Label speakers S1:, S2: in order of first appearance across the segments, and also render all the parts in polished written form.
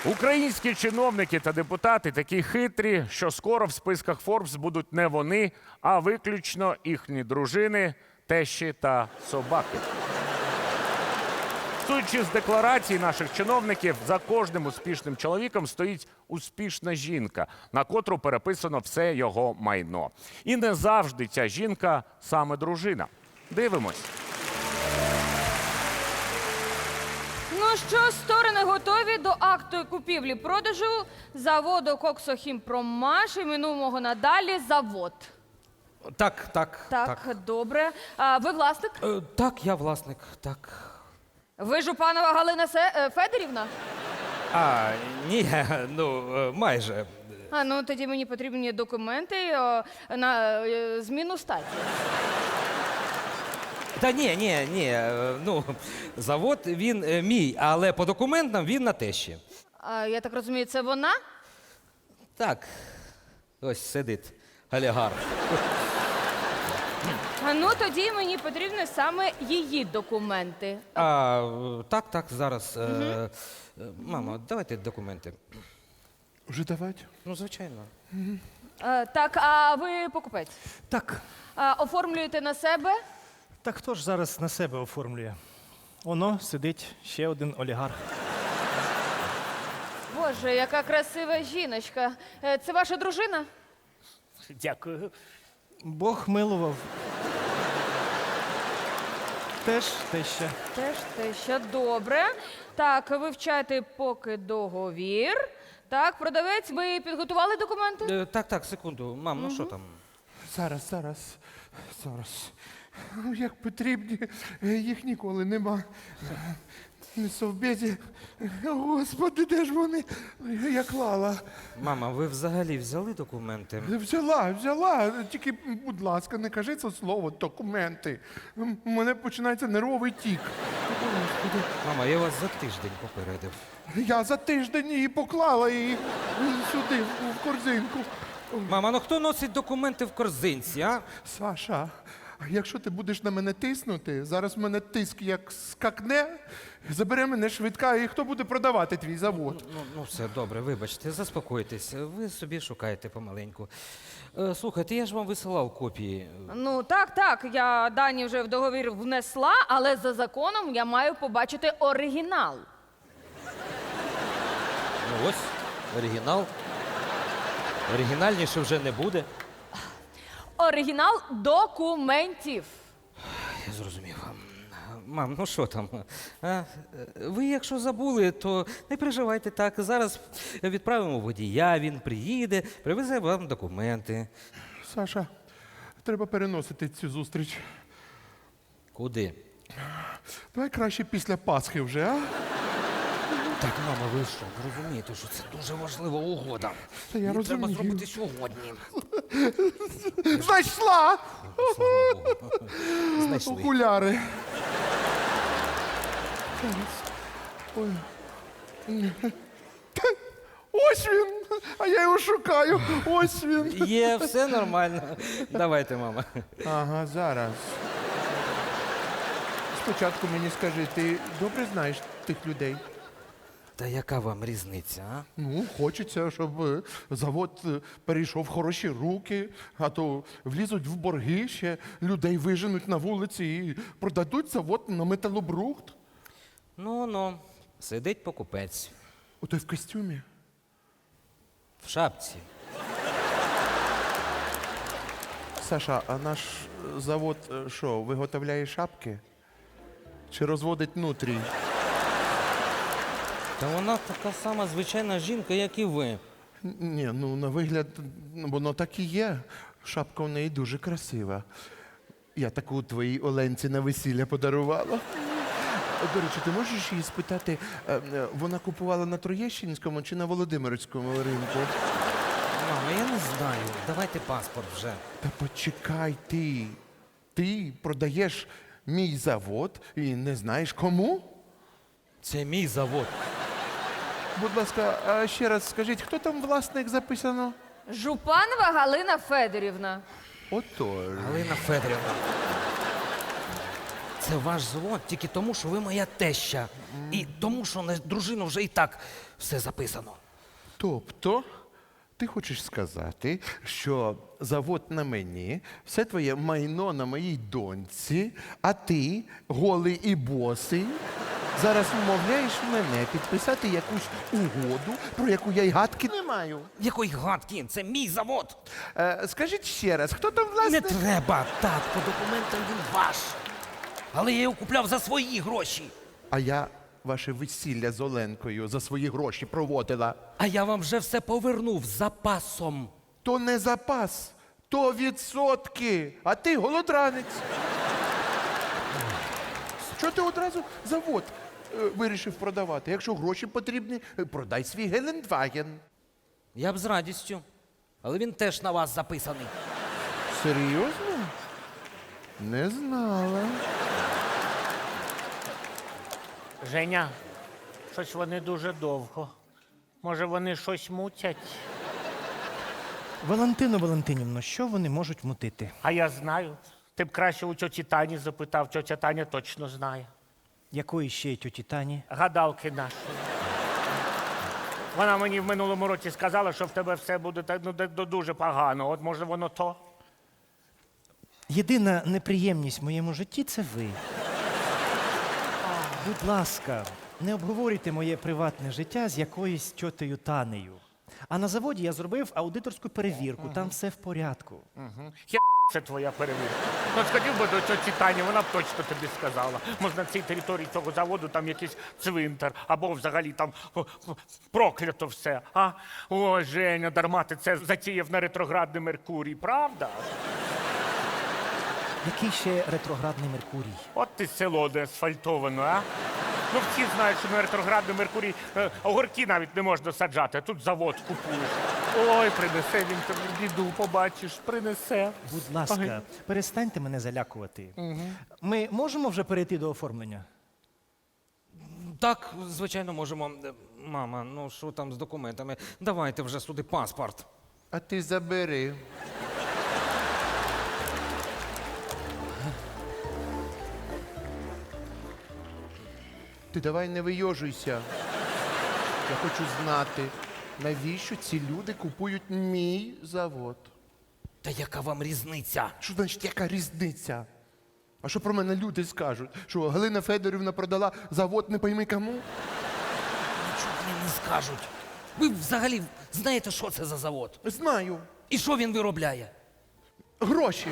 S1: Українські чиновники та депутати такі хитрі, що скоро в списках Forbes будуть не вони, а виключно їхні дружини, тещі та собаки. Судячи з декларацій наших чиновників, за кожним успішним чоловіком стоїть успішна жінка, на котру переписано все його майно. І не завжди ця жінка саме дружина. Дивимось.
S2: Ну що, сторони готові до акту купівлі-продажу заводу «Коксохімпромаш», іменуємо надалі «Завод».
S3: Так.
S2: Так, добре. А ви власник?
S3: Так, я власник, так.
S2: Ви Жупанова Галина Федорівна?
S3: Ні, майже.
S2: Ну тоді мені потрібні документи на зміну статі.
S3: Та ні, завод він мій, але по документам він на тещі.
S2: Я так розумію, це вона?
S3: Так, ось сидить олігарх.
S2: Ну тоді мені потрібні саме її документи.
S3: Так, зараз. Мамо, давайте документи.
S4: Вже давати?
S3: Ну, звичайно.
S2: Так, а ви покупець?
S5: Так,
S2: Оформлюєте на себе?
S5: так хто ж зараз на себе оформлює? Воно сидить ще один олігарх.
S2: Боже, яка красива жіночка. Це ваша дружина?
S1: Дякую.
S5: Бог милував. Теж теща.
S2: Теж те, що добре. Так, вивчайте поки договір. Так, продавець, ви підготували документи?
S3: Так, секунду. Мам, ну що там?
S4: Зараз. Як потрібні, їх ніколи нема. Не совбезі. Господи, де ж вони? Я клала.
S3: Мама, ви взагалі взяли документи?
S4: Взяла. Тільки, будь ласка, не кажи це слово документи. У мене починається нервовий тік. Господи.
S3: Мама, я вас за тиждень попередив.
S4: Я за тиждень її поклала її сюди, в корзинку.
S3: Мама, ну хто носить документи в корзинці, а?
S4: Саша, а якщо ти будеш на мене тиснути, зараз в мене тиск як скакне, забере мене швидка, і хто буде продавати твій завод?
S3: Ну, все, добре, вибачте, заспокойтесь. Ви собі шукаєте помаленьку. Слухайте, я ж вам висилав копії.
S2: Ну, так, я дані вже в договір внесла, але за законом я маю побачити оригінал.
S3: Ну ось, оригінал. Оригінальніше вже не буде.
S2: Оригінал документів.
S3: Я зрозумів. Мам, ну що там? Ви якщо забули, то не переживайте так. Зараз відправимо водія, він приїде, привезе вам документи.
S4: Саша, треба переносити цю зустріч.
S3: Куди?
S4: Давай краще після Пасхи вже, а?
S3: Так, мама, ви що, ви розумієте, що це дуже важлива угода.
S4: Та я
S3: Її
S4: розумію.
S3: треба зробити сьогодні.
S4: Знайшла!
S3: Слава Богу. Знайшли.
S4: Окуляри. Ой. Ось він! А я його шукаю. Ось він.
S3: Є, все нормально. Давайте, мама.
S4: Ага, зараз. Спочатку мені скажи, ти добре знаєш тих людей?
S3: Та яка вам різниця, а?
S4: Ну, хочеться, щоб завод перейшов в хороші руки, а то влізуть в борги, ще людей виженуть на вулиці і продадуть завод на металобрухт.
S3: Ну, сидить покупець.
S4: Отой в костюмі.
S3: В шапці.
S4: Саша, а наш завод що, виготовляє шапки? Чи розводить нутрій?
S3: Та вона така сама звичайна жінка, як і ви.
S4: Ні, ну на вигляд, воно так і є. Шапка у неї дуже красива. Я таку твоїй Оленці на весілля подарувала. До речі, ти можеш її спитати, вона купувала на Троєщинському чи на Володимирському ринку?
S3: Мама, я не знаю. Давайте паспорт вже.
S4: Та почекай ти. Ти продаєш мій завод і не знаєш кому?
S3: Це мій завод.
S4: Будь ласка, а ще раз скажіть, хто там власник записано?
S2: Жупанова Галина Федорівна.
S4: Отож.
S3: Галина Федорівна. Це ваш завод тільки тому, що ви моя теща. І тому, що на дружину вже і так все записано.
S4: Тобто, ти хочеш сказати, що завод на мені, все твоє майно на моїй доньці, а ти, голий і босий, зараз вмовляєш мене підписати якусь угоду, про яку я й гадки не маю.
S3: Якої гадки? Це мій завод.
S4: Скажіть ще раз, хто там
S3: Не
S4: власник?
S3: треба. Так, по документам він ваш. Але я його купляв за свої гроші.
S4: А я ваше весілля з Оленкою за свої гроші проводила.
S3: А я вам вже все повернув з запасом.
S4: То не запас, то відсотки, а ти голодранець. Що ти одразу завод вирішив продавати? Якщо гроші потрібні, продай свій Гелендваген.
S3: Я б з радістю. Але він теж на вас записаний.
S4: Серйозно? Не знала.
S1: Женя, щось вони дуже довго. Може, вони щось мутять?
S5: Валентино Валентинівно, що вони можуть мутити?
S1: А я знаю. Ти б краще у тьоті Тані запитав, тьотя Таня точно знає.
S5: Якої ще тьоті Тані?
S1: Гадалки нашої. Вона мені в минулому році сказала, що в тебе все буде дуже погано. От може воно то?
S5: Єдина неприємність в моєму житті це ви. Будь ласка, не обговорюйте моє приватне життя з якоюсь тьотею Танею. А на заводі я зробив аудиторську перевірку, там все в порядку.
S1: Це твоя перевірка. Ну, сходив би до тьоті Тані, вона б точно тобі сказала. Може, на цій території цього заводу там якийсь цвинтар, або взагалі там проклято все. А? О, Женя, дарма ти це затіяв на ретроградний Меркурій, правда?
S5: Який ще ретроградний Меркурій?
S1: От ти село де асфальтовано, а? Ну, всі знають, що на ретроградний Меркурій огірки навіть не можна саджати, а тут завод купуєш. Ой, принесе він тобі біду, побачиш, принесе.
S5: Будь ласка,
S1: Ой.
S5: перестаньте мене залякувати. Ми можемо вже перейти до оформлення?
S3: Так, звичайно, можемо. Мама, ну що там з документами? Давайте вже сюди паспорт.
S4: А ти забери. Ти давай не вийожуйся. Я хочу знати, навіщо ці люди купують мій завод.
S3: Та яка вам різниця?
S4: Що значить, яка різниця? А що про мене люди скажуть? Що Галина Федорівна продала завод не пойми кому?
S3: Нічого вони не скажуть. Ви взагалі знаєте, що це за завод?
S4: Знаю.
S3: І що він виробляє?
S4: Гроші.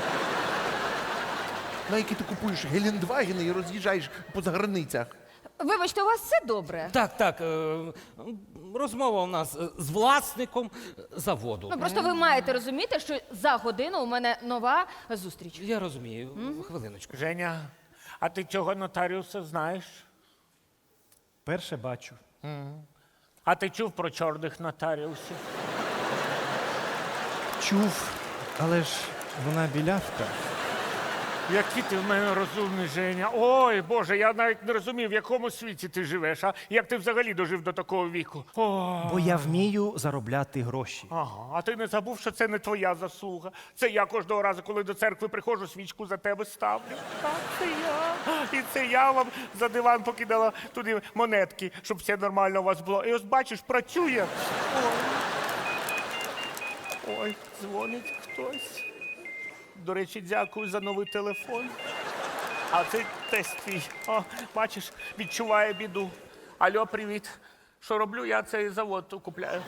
S4: На які ти купуєш Гелендвагени і роз'їжджаєш по заграницях.
S2: Вибачте, у вас все добре?
S3: Так, так. Розмова у нас з власником заводу.
S2: Ну просто ви маєте розуміти, що за годину у мене нова зустріч.
S3: Я розумію. Хвилиночку.
S1: Женя, а ти цього нотаріуса знаєш?
S5: Перше бачу.
S1: А ти чув про чорних нотаріусів?
S5: Чув, але ж вона білявка.
S1: Який ти в мене розумний, Женя. Ой, Боже, я навіть не розумів, в якому світі ти живеш, а як ти взагалі дожив до такого віку. О,
S5: Бо я вмію заробляти гроші.
S1: ага, а ти не забув, що це не твоя заслуга. Це я кожного разу, коли до церкви приходжу, свічку за тебе ставлю. Так, це я. І це я вам за диван покидала туди монетки, щоб все нормально у вас було. І ось бачиш, працює. Ой, ой, дзвонить хтось. До речі, дякую за новий телефон. А це тесть твій. О, бачиш, відчуває біду. Алло, привіт. Що роблю? Я цей завод купляю.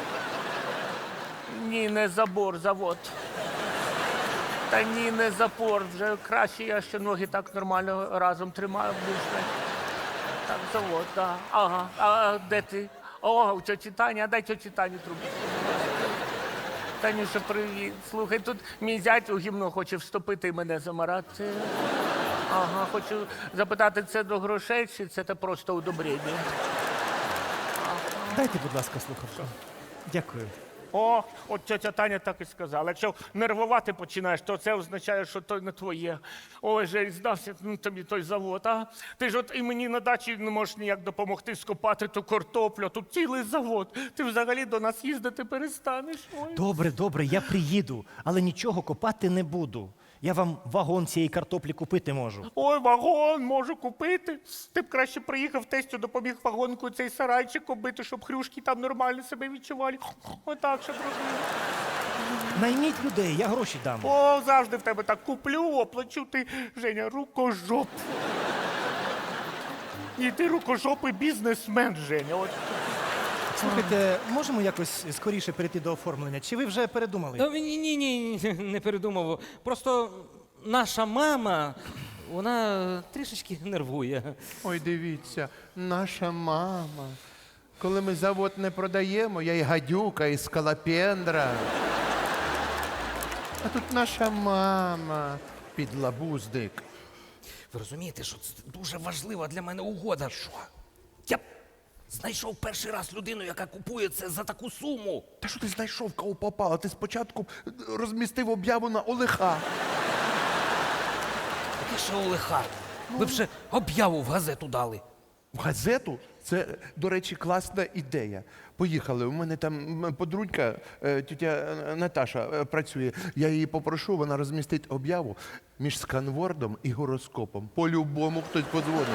S1: Ні, не забор, завод. Та ні, не запор. Вже краще я ще ноги так нормально разом тримаю. Більше. Так, завод, так. Ага. А де ти? О, у тьоті Тані, а дай тьоті Тані трубку. Танюша, привіт. Слухай, тут мій зять у гімно хоче вступити і мене замарати. Ага, хочу запитати, це до грошей чи це просто удобрення?
S5: Дайте, будь ласка, слухавку. Дякую.
S1: О, от тетя Таня так і сказала. Якщо нервувати починаєш, то це означає, що то не твоє. Ой, же здався тобі той завод, а? Ти ж от і мені на дачі не можеш ніяк допомогти скопати ту картоплю, тут цілий завод. Ти взагалі до нас їздити перестанеш. Ой.
S5: Добре, добре, я приїду, але нічого копати не буду. Я вам вагон цієї картоплі купити можу.
S1: Ой, вагон можу купити. Ти б краще приїхав, тестю допоміг вагонку цей сарайчик оббити, щоб хрюшки там нормально себе відчували. Отак, щоб розуміли.
S5: Найміть людей, я гроші дам.
S1: О, завжди в тебе так куплю, оплачу. Ти, Женя, рукожоп. І ти рукожопий бізнесмен, Женя. От.
S5: Слухайте, можемо якось скоріше перейти до оформлення? Чи ви вже передумали?
S3: Ні, не передумав. Просто наша мама, вона трішечки нервує.
S4: Ой, дивіться, наша мама. Коли ми завод не продаємо, я і гадюка, і скалопендра. А тут наша мама, підлабуздик.
S3: Ви розумієте, що це дуже важлива для мене угода. Що? Я б знайшов перший раз людину, яка купує це за таку суму.
S4: Та що ти знайшов, кого попало? Ти спочатку розмістив об'яву на Олеха.
S3: Який ще Олеха? Ви б ще об'яву в газету дали.
S4: В газету? Це, до речі, класна ідея. Поїхали. У мене там подружка, тітя Наташа, працює. Я її попрошу, вона розмістить об'яву між сканвордом і гороскопом. По-любому хтось подзвонить.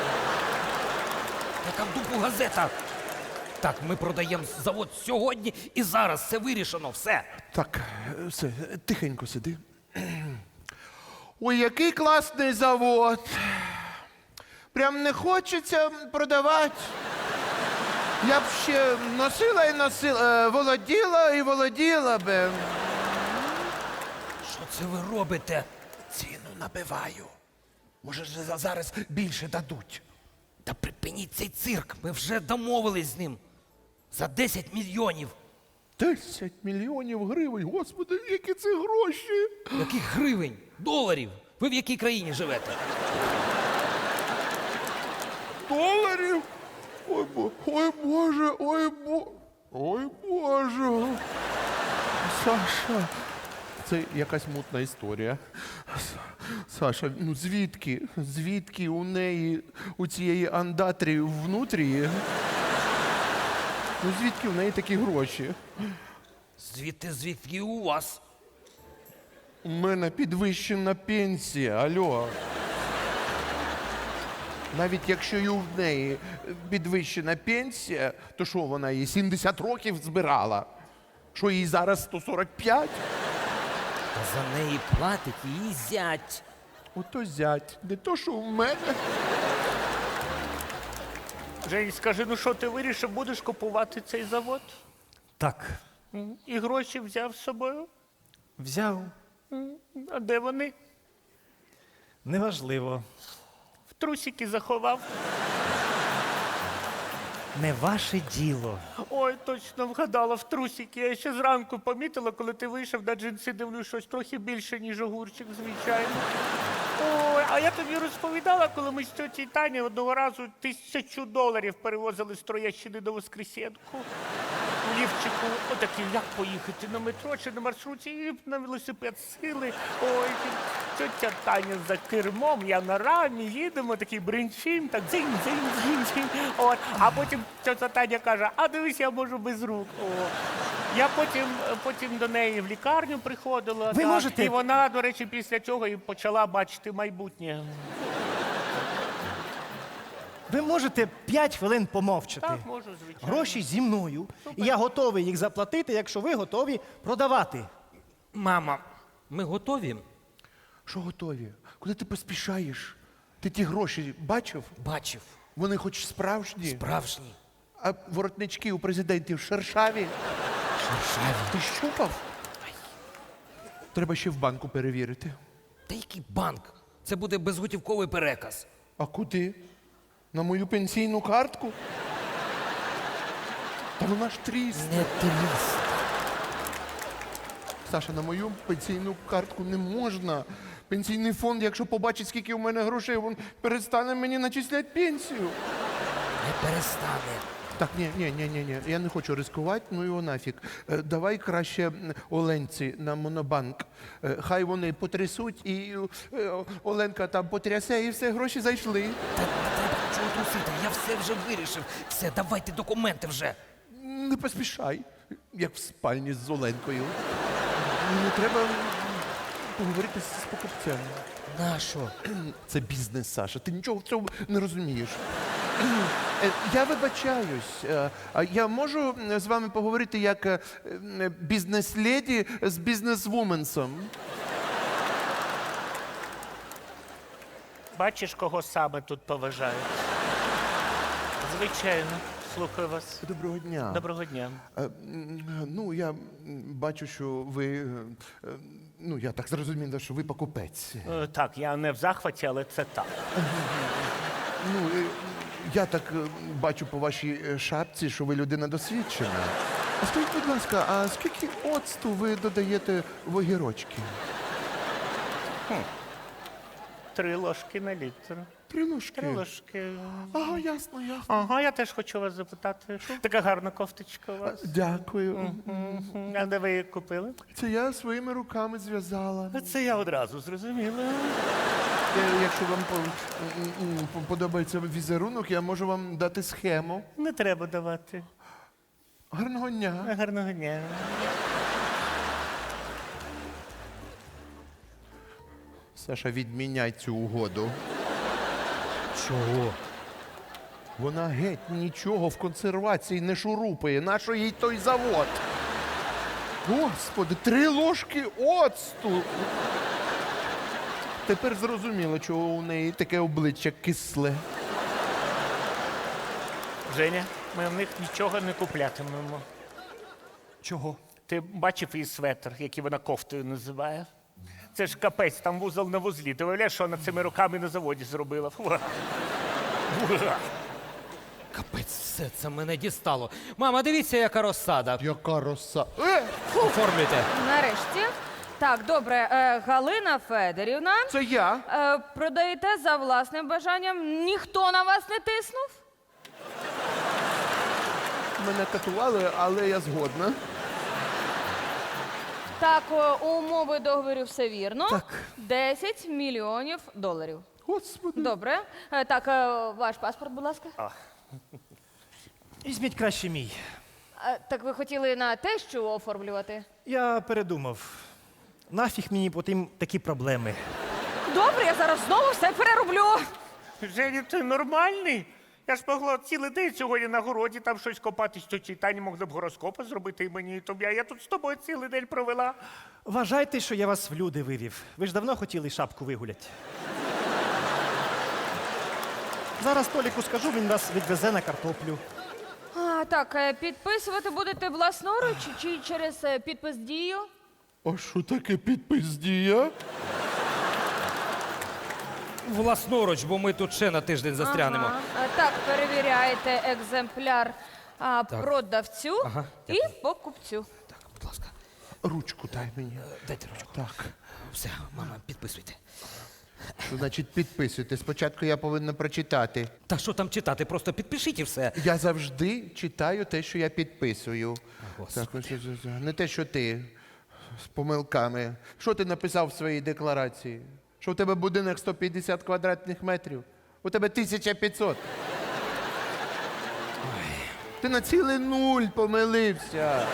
S3: Яка в дупу газета? Так, ми продаємо завод сьогодні і зараз. Все вирішено, все.
S4: Так, все, тихенько сиди. Ой, який класний завод. Прям не хочеться продавати. Я б ще носила і носила, володіла і володіла би.
S3: Що це ви робите?
S4: Ціну набиваю. Може, зараз більше дадуть.
S3: Та припиніть цей цирк. Ми вже домовились з ним. За 10 мільйонів.
S4: 10 мільйонів гривень, господи, які це гроші.
S3: Яких гривень? Доларів? Ви в якій країні живете?
S4: Доларів? Ой, Боже, ой, Боже. Саша, це якась мутна історія. Саша, ну звідки у неї, у цієї андатрі внутрі? Ну звідки в неї такі гроші?
S3: Звідки у вас?
S4: У мене підвищена пенсія, алло. Навіть якщо і в неї підвищена пенсія, то що вона її 70 років збирала? Що їй зараз 145?
S3: Та за неї платить її зять.
S4: Ото зять, не то, що в мене.
S1: Жень, скажи, ну що ти вирішив, будеш купувати цей завод?
S5: Так,
S1: І гроші взяв з собою?
S5: взяв.
S1: А де вони?
S5: Неважливо.
S1: В трусики заховав.
S5: Не ваше діло.
S1: Ой, точно вгадала в трусики. Я ще зранку помітила, коли ти вийшов на джинси, дивлюсь, щось трохи більше, ніж огурчик, звичайно. Ой, а я тобі розповідала, коли ми з тьоті Тані одного разу $1000 перевозили з Троєщини до Воскресенку. У лівчику, отакий, як поїхати на метро чи на маршруті, і на велосипед сили. Ой, тьотя Таня за кермом, я на рамі, їдемо, такий бринчим, так дзинь-дзинь-дзинь-дзинь. От. А потім тьотя Таня каже, а дивись, я можу без рук. О. Я потім до неї в лікарню приходила.
S5: Ви
S1: так,
S5: можете-
S1: І вона, до речі, після цього і почала бачити майбутнє.
S5: Ви можете 5 хвилин помовчати.
S1: Так, можу, звичайно.
S5: Гроші зі мною. І я готовий їх заплатити, якщо ви готові продавати.
S3: Мама, ми готові?
S4: Що готові? Куди ти поспішаєш? Ти ті гроші бачив?
S3: Бачив.
S4: Вони хоч справжні?
S3: Справжній.
S4: А воротнички у президентів шершаві?
S3: Шершаві.
S4: Ти щупав? Треба ще в банку перевірити.
S3: Та який банк? Це буде безготівковий переказ.
S4: А куди? На мою пенсійну картку? Та вона ж тріс.
S3: Не тріс.
S4: Саша, на мою пенсійну картку не можна. Пенсійний фонд, якщо побачить, скільки у мене грошей, він перестане мені начисляти пенсію.
S3: Не перестане.
S4: Так, ні, я не хочу ризикувати, ну його нафіг. Давай краще Оленці на Монобанк. Хай вони потрясуть, і Оленка там потрясе, і все, гроші зайшли.
S3: Та не треба нічого трусити, я все вже вирішив. Все, давайте документи вже.
S4: Не поспішай, як в спальні з Оленкою. Не треба поговорити з покупцем.
S3: На що?
S4: Це бізнес, Саша. Ти нічого в цьому не розумієш. Я вибачаюсь. А я можу з вами поговорити як бізнес-леді з бізнес-вуменсом?
S6: Бачиш, кого саме тут поважають? Звичайно, слухаю вас.
S4: Доброго дня.
S6: Доброго дня.
S4: Ну, я бачу, що ви. Ну, я так зрозумів, що ви покупець.
S6: Так, я не в захваті, але це так.
S4: Ну, я так бачу по вашій шапці, що ви людина досвідчена. А скажіть, будь ласка, а скільки оцту ви додаєте в огірочки?
S6: 3 ложки на літр.
S4: 3 ложки.
S6: 3 ложки.
S4: Ага, ясно, ясно.
S6: Ага, я теж хочу вас запитати. Така гарна кофточка у вас.
S4: Дякую.
S6: А де ви її купили?
S4: Це я своїми руками зв'язала.
S6: Це я одразу зрозуміла.
S4: Якщо вам подобається візерунок, я можу вам дати схему.
S6: Не треба давати.
S4: Гарного дня.
S6: Гарного дня.
S4: Саша, відміняй цю угоду.
S3: Чого?
S4: Вона геть нічого в консервації не шурупає. Нащо їй той завод? Господи, 3 ложки оцту. Тепер зрозуміло, чого у неї таке обличчя кисле.
S6: Женя, ми в них нічого не куплятимемо.
S5: Чого?
S6: Ти бачив її светр, який вона кофтою називає? Це ж капець, там вузол на вузлі. Ти уявляєш, що вона цими руками на заводі зробила? Фу.
S3: Капець, все це мене дістало. Мама, дивіться, яка розсада.
S4: Яка роса.
S3: Оформлюйте.
S2: Нарешті. Так, добре, Галина Федорівна.
S4: Це я.
S2: Продаєте за власним бажанням. Ніхто на вас не тиснув?
S4: Мене катували, але я згодна.
S2: Так, умови договору все вірно.
S5: Так.
S2: 10 мільйонів доларів.
S4: Господи.
S2: Добре. Так, ваш паспорт, будь ласка.
S5: Візьміть краще мій.
S2: Так ви хотіли на те, що оформлювати?
S5: Я передумав. Нафіг мені потім такі проблеми.
S2: Добре, я зараз знову все перероблю.
S6: Женя, ти нормальний? Я ж могла цілий день сьогодні на городі там щось копати, що читання могли б гороскопи зробити і мені, і тобі. А я тут з тобою цілий день провела.
S5: Вважайте, що я вас в люди вивів. Ви ж давно хотіли шапку вигуляти. Зараз Толіку скажу, він вас відвезе на картоплю.
S2: Так, підписувати будете власноруч чи через підпис дію?
S4: А що таке підпис дія?
S3: Власноруч, бо ми тут ще на тиждень застрянемо.
S2: Ага. Так, перевіряєте екземпляр продавцю
S3: Ага,
S2: і покупцю.
S3: Так, будь ласка,
S4: Ручку дай мені.
S3: дайте ручку.
S4: Так.
S3: Все, мама, підписуйте.
S4: Що значить підписуйте? Спочатку я повинна прочитати.
S3: Та що там читати? Просто підпишіть і все.
S4: Я завжди читаю те, що я підписую.
S3: Господи.
S4: Так, не те, що ти з помилками. Що ти написав в своїй декларації? Що у тебе будинок 150 квадратних метрів? У тебе 1500. Ти на цілий 0 помилився.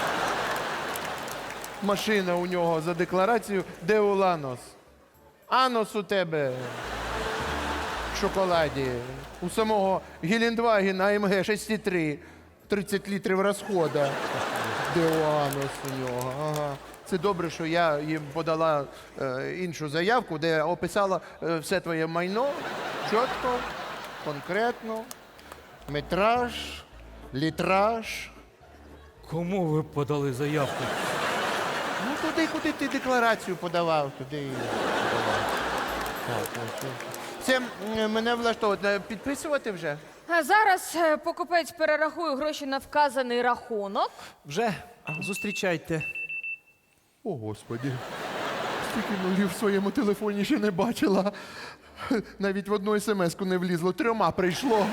S4: Машина у нього за декларацією Деуланос. Анос у тебе в шоколаді. У самого Гелендвагена АМГ 6,3. 30 літрів розходу. Деуанос у нього. Ага. Це добре, що я їм подала іншу заявку, де описала все твоє майно чітко, конкретно, метраж, літраж.
S3: Кому ви подали заявку?
S4: Ну, туди, куди ти декларацію подавав, туди і подавав. Так, ось. Це мене влаштовує. Підписувати вже?
S2: Зараз покупець перерахує гроші на вказаний рахунок.
S5: Вже зустрічайте.
S4: О, Господі. Стільки нулів в своєму телефоні ще не бачила. Навіть в одну смс-ку не влізло, 3 прийшло.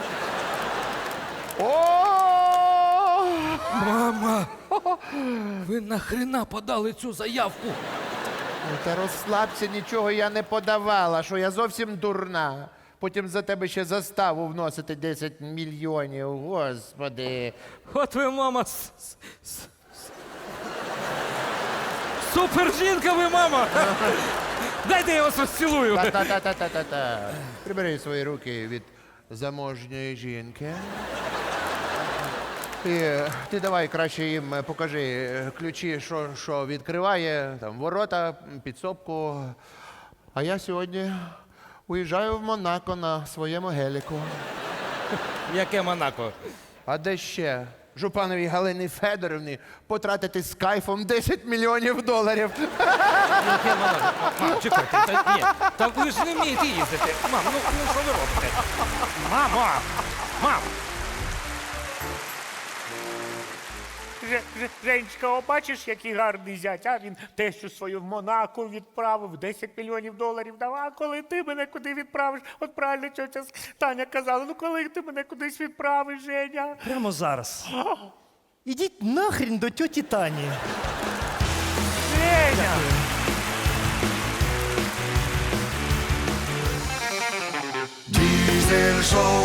S4: О!
S3: Мама! Ви нахрена подали цю заявку?
S4: Ну, та розслабся, нічого я не подавала, що я зовсім дурна. Потім за тебе ще заставу вносити 10 мільйонів, господи.
S3: От ви, мама, Супер жінка ви, мама! Дайте я вас розцілую.
S4: Та-та-та-та-та-та. Прибери свої руки від заможньої жінки. Ти давай краще їм покажи ключі, що відкриває, там, ворота, підсобку. А я сьогодні уїжджаю в Монако на своєму геліку.
S3: Яке Монако?
S4: А де ще? Жупановій Галині Федорівні потратити з кайфом 10 мільйонів доларів.
S3: Яке Монако? Мам, чекайте, та ні. Та ви ж не вмієте їздити. Мам, ну що ви робите? Мамо! Мам!
S6: Женечка, о, бачиш, який гарний зять, а він тещу свою в Монако відправив, 10 мільйонів доларів дав. А коли ти мене куди відправиш? От правильно тьотя Таня казала, ну коли ти мене кудись відправиш, Женя?
S5: Прямо зараз. Ідіть нахрін до тьоті Тані.
S6: Женя!
S7: Diesel Show.